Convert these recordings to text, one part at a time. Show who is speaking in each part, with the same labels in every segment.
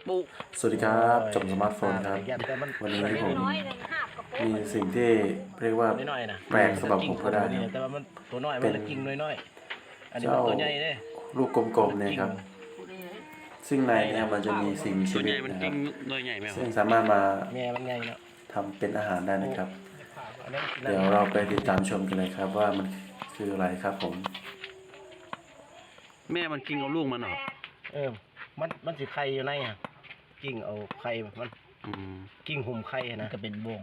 Speaker 1: สวัสดีครับจอมสมาร์ทโฟนครับวันนี้ผมมีสิ่งที่เรียกว่าแปลกสำหรับผมก็ได้ครับเป็นเจ้าลูกกลมๆเนี่ยครับซึ่งในเนี่ยมันจะมีสิ่งมีชีวิตนะครับซึ่งสามารถมาทำเป็นอาหารได้นะครับเดี๋ยวเราไปติดตามชมกันเลยครับว่ามันคืออะไรครับผม
Speaker 2: แม่มันกินเอาลูกมันเหรอ
Speaker 3: มันสิไข่อยู่ในอ่ะกิ้งเอาไข่มันกิ้งหุ่มไข่นะก็เป็นบ่ง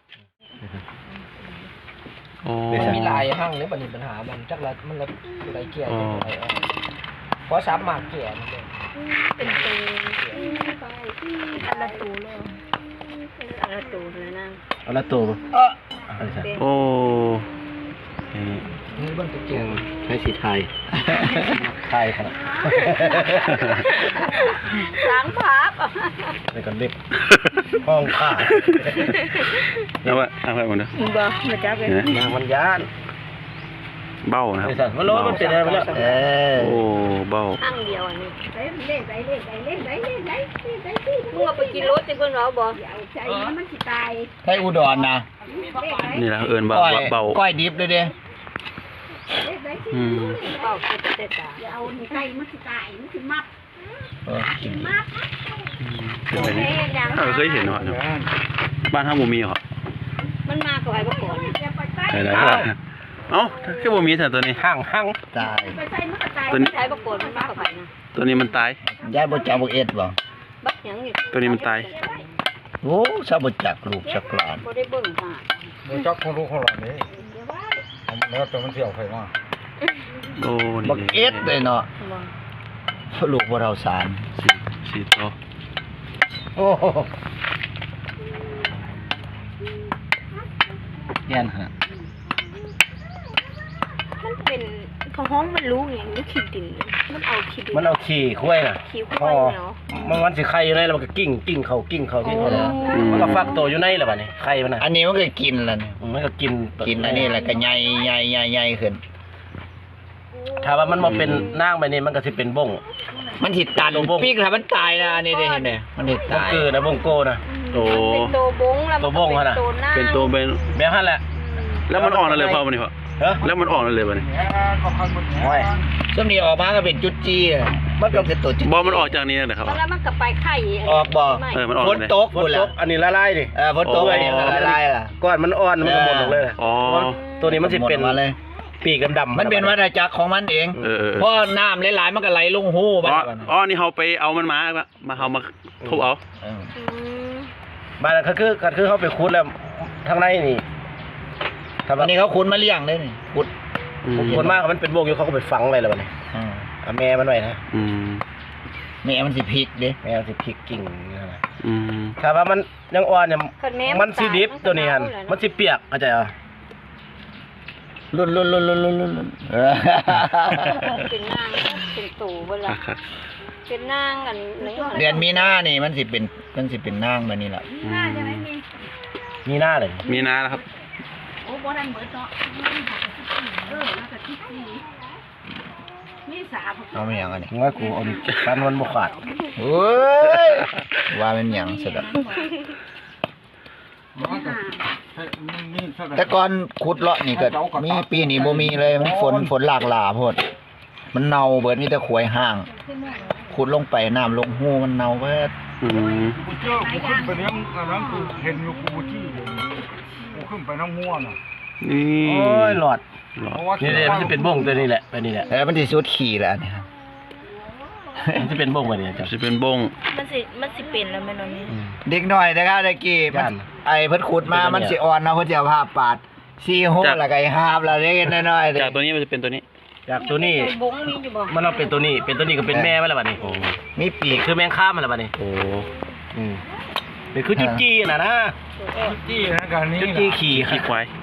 Speaker 4: มันมีลายห้างหรือปัญหามันจักละมันละอะไรเกี่ยวกับอะไรเพราะซ้ำหมากเกี่ยวมันเลย
Speaker 5: เป็นตูอันละตูเลยอันละตูเลยนะ
Speaker 3: อันละตู
Speaker 2: โอ้
Speaker 4: นี่บ้านตะเกียง
Speaker 3: ใช้สีไทยไทยครับ
Speaker 5: ล้างภาพ
Speaker 3: ในกันเด็กห้องข้า
Speaker 2: แล้วว่าอะไรมันเนี่ย
Speaker 5: บ่มาจับเลย
Speaker 3: นางมันยาน
Speaker 2: เบ้านะครับ
Speaker 3: มันร้อนมันเป็นอะไรไปแล้ว
Speaker 2: โอ้เบ้า
Speaker 5: ข้างเดียวอันนี้เล่นมึงเอาไปกินรถจะคนเราบ่ใจมันสิตาย
Speaker 4: ให้อุดรนะ
Speaker 2: นี่แหละเอิญเบ้า
Speaker 4: ก้อยดิบเลยเด้
Speaker 5: เบ้าเต็ดๆอย่าเอาไก่มันสิตายมันสิมับ
Speaker 2: เคยเห็นเหรอบ้านท่าบุมีเหรอ
Speaker 5: มันมากับไอ้บ่ก่อน
Speaker 2: ได้เอ้าแค่บุมีแต่ตัวนี้
Speaker 3: ห้าง
Speaker 4: ตาย
Speaker 5: ตัวนี้ไอ้บ่ก่อนมันมากับไอ้นะ
Speaker 2: ตัวนี้มันตาย
Speaker 4: ยายบ่จักบ่เอ็ดบ่
Speaker 5: บักหยังนี่
Speaker 2: ตัวนี้มันตาย
Speaker 4: โอ้ซะบ่จักลูกจักหลาน
Speaker 5: บ่ได้เบิ่งค่ะ
Speaker 6: บ่จักของลูกของหลานนี่แล้วตัวมันเที่ยวไผมา
Speaker 2: โอ้
Speaker 4: บักเอ็ดเลยเนาะลูกบ่เราสาร
Speaker 2: สี่ตัว
Speaker 4: โอ้แย่นฮะ
Speaker 5: มันเป็นของห้องมันรู้อย่างนี้ขี้ดินมันเอา
Speaker 3: ขี่คุ้ยน่ะ
Speaker 5: ขี้คุ้ยเนาะ
Speaker 3: มันสิไข่อยู่ในแล้วมันก็กิ้งเขามันก็ฟักตัวอยู่ในแล้วบัดนี้ไข่มันน่ะ
Speaker 4: อันนี้มันก็กินแล้วนี่
Speaker 3: มันก็กิน
Speaker 4: อันนี้แหละก็ใหญ่ขึ้น
Speaker 3: ถ้าว่ามันมาเป็นนางแบบนี้มันก็สิเป็นบ้ง
Speaker 4: มันสิตันปีกถ้ามันตายนะอันนี้ได้เห็นมั้ยมันสิตาย
Speaker 3: คือนะบ้งโกนะ
Speaker 5: โตเป็นโตบงแล้วมันเป็นโตหน้า
Speaker 2: เป็นโตเป็น
Speaker 3: แบบนั้นแหละ
Speaker 2: แล้วมันออกเลยพอมันนี่พอแล้วมันออกเลยวันนี้
Speaker 3: โอ้ย
Speaker 4: ช่วงนี้ออกมาก็เป็นจุดจี้มันก็เป็นตัวจุด
Speaker 2: บอมันออกจากนี้นะครับ
Speaker 5: แล้วมันก็ไปไข่
Speaker 4: ออกบ่
Speaker 2: ฝ
Speaker 4: นตก
Speaker 3: อันนี้ละลายดิ
Speaker 4: ฝนตกอันนี้ละลายล่ะ
Speaker 3: ก้อนมันอ่อนมันก็หมดเลยตัวนี้มันสิเป็น
Speaker 4: มาเลย
Speaker 3: ปีกดำ
Speaker 4: มันเป็นวัฏจักรของมันเองเพราะน้ำหลายๆมันก็ไหลลงหูบ้าน
Speaker 2: นี่เขาไปเอามันมาเขามาทุบเอา
Speaker 3: บ้านคือเขาไปขุดแล้วทางในนี่
Speaker 4: อันนี้เขาขุดมาเลี้ยงเลยนี่
Speaker 3: ขุดมากมันเป็นโบกอยู่เขาก็ไปฝังไว้แล้วนี่แม่มันไว้นะ
Speaker 4: แม่มันสิพลิกเด้
Speaker 3: แม่มันสิพลิกกิ่งนี่นะถ้าว่ามันยังอ่อนเนี่ยมันสิดิบตัวนี้ฮันมันสิเปียกเข้าใจเหรอ
Speaker 4: ลุ่น
Speaker 5: เป็นนางเป็นตู่เวลาเป็นนางอัน
Speaker 4: เดือนมีนานี่มันสิเป็นนางแบบนี้แหละ
Speaker 3: มีหน้าเลย
Speaker 2: มีนาแล้วครับ
Speaker 5: โอ้บ่ทันเบิดเนาะแล้วก็ที่มีสา
Speaker 4: เอาไม่ยังอันนี้
Speaker 3: ว่ากูเอาการวันบ่ขาด
Speaker 4: เฮ้ยว่ามันหยังสุดอ่ะแต่ก่อนขุดเลาะนี่ก็มีปีนี้บ่มีเลยมันฝนหลากหลาโพดมันเน่าเบิดมีแต่ขวยห่างขุดลงไปน้ำลงหูมันเน่าเบิด
Speaker 6: กูเจอกูขึ้นไปเลี้ยงอันนั้นกูเห็นอยู่กูจี้กูขึ้นไปน้ำง่วงอ่ะ
Speaker 2: นี่
Speaker 3: โอ้ยหลอดนี่มันจะเป็นบ้งตัวนี้แหละไปนี่แหละ
Speaker 4: มันสิสุดขี่แล้วนี่
Speaker 3: มันจะเป็นบ้งไปนี่
Speaker 2: จะเป็นบ้ง
Speaker 5: มันสิเป็นแล้วแม่นนี่
Speaker 4: เด็กน้อยนะครับตะกี้มันไอ้เพิ่นขุดมามันสิอ่อนเนาะเพิ่นสิเอาผ้าปาดซี่โหแล้วก็หาบแล้วเล็กน้อย
Speaker 2: ๆจากตัวนี้มันจะเป็นตัวนี้
Speaker 3: จากตัวนี้มันเอาเป็นตัวนี้ก็เป็นแม่ไว้แล้วบัดนี้มีปีกคือแมงค่ามันแล้วบัดนี้
Speaker 2: โอ้
Speaker 3: เป็นคือจุดจี้น่ะนะ
Speaker 6: จี้นะการนี้
Speaker 3: จุดจี้ขี่
Speaker 2: ควาย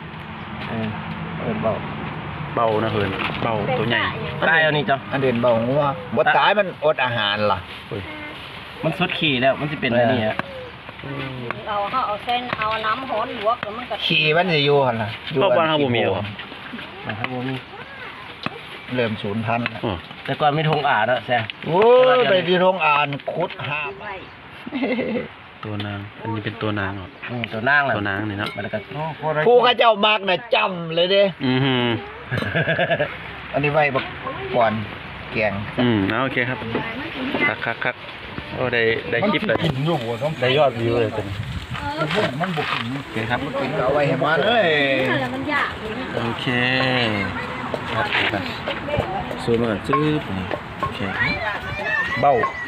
Speaker 2: เบานะเฮินเบาตัวใหญ่
Speaker 3: ตายเอานี่จ้ะ
Speaker 4: อันเด่นเบางัวบ่ตายมันอดอาหารล่ะ
Speaker 3: มันสุดขี่แล้วมันสิเป็นอะไรนี่ฮะ
Speaker 5: เอาเส้นเอาน้ำร้อนลวกแล้วมันก็
Speaker 4: ขี่มันสิอยู่หั่นล่ะ
Speaker 2: อยู่บ้านเฮาบ่มีบ่
Speaker 3: ครับบ่มี
Speaker 4: เริ่มสูญพันธุ์
Speaker 3: แต่ก่อนมีทงอ่านแล้วแซ่
Speaker 4: โอ้ยไปที่ทงอ่านขุดหาบ
Speaker 2: ตัวนางอันนี้เป็นตัวนางเหรอ
Speaker 3: ตัวนางแหละ
Speaker 2: ตัวนางนี่เนาะ
Speaker 3: มันก็
Speaker 4: ผู้เขาเจ้ามักน่ะจำเลยเด้
Speaker 2: อือหือ
Speaker 4: อันนี้ไว้บักก่อนแกง
Speaker 2: โอเคครับคักโอ้ได้คลิปเลย
Speaker 6: กินอยู่บ่ต้อง
Speaker 2: ได้ยอดวิวเลยเป็น
Speaker 6: มันบ่กิน
Speaker 2: โอเคครับ
Speaker 4: กินก็เอาไว้ให้มันเลย
Speaker 5: แล้วมันยากเลยนะ
Speaker 2: โอเคครับซูมมาก่อนจื๊บนี่โอเค
Speaker 3: เบ้า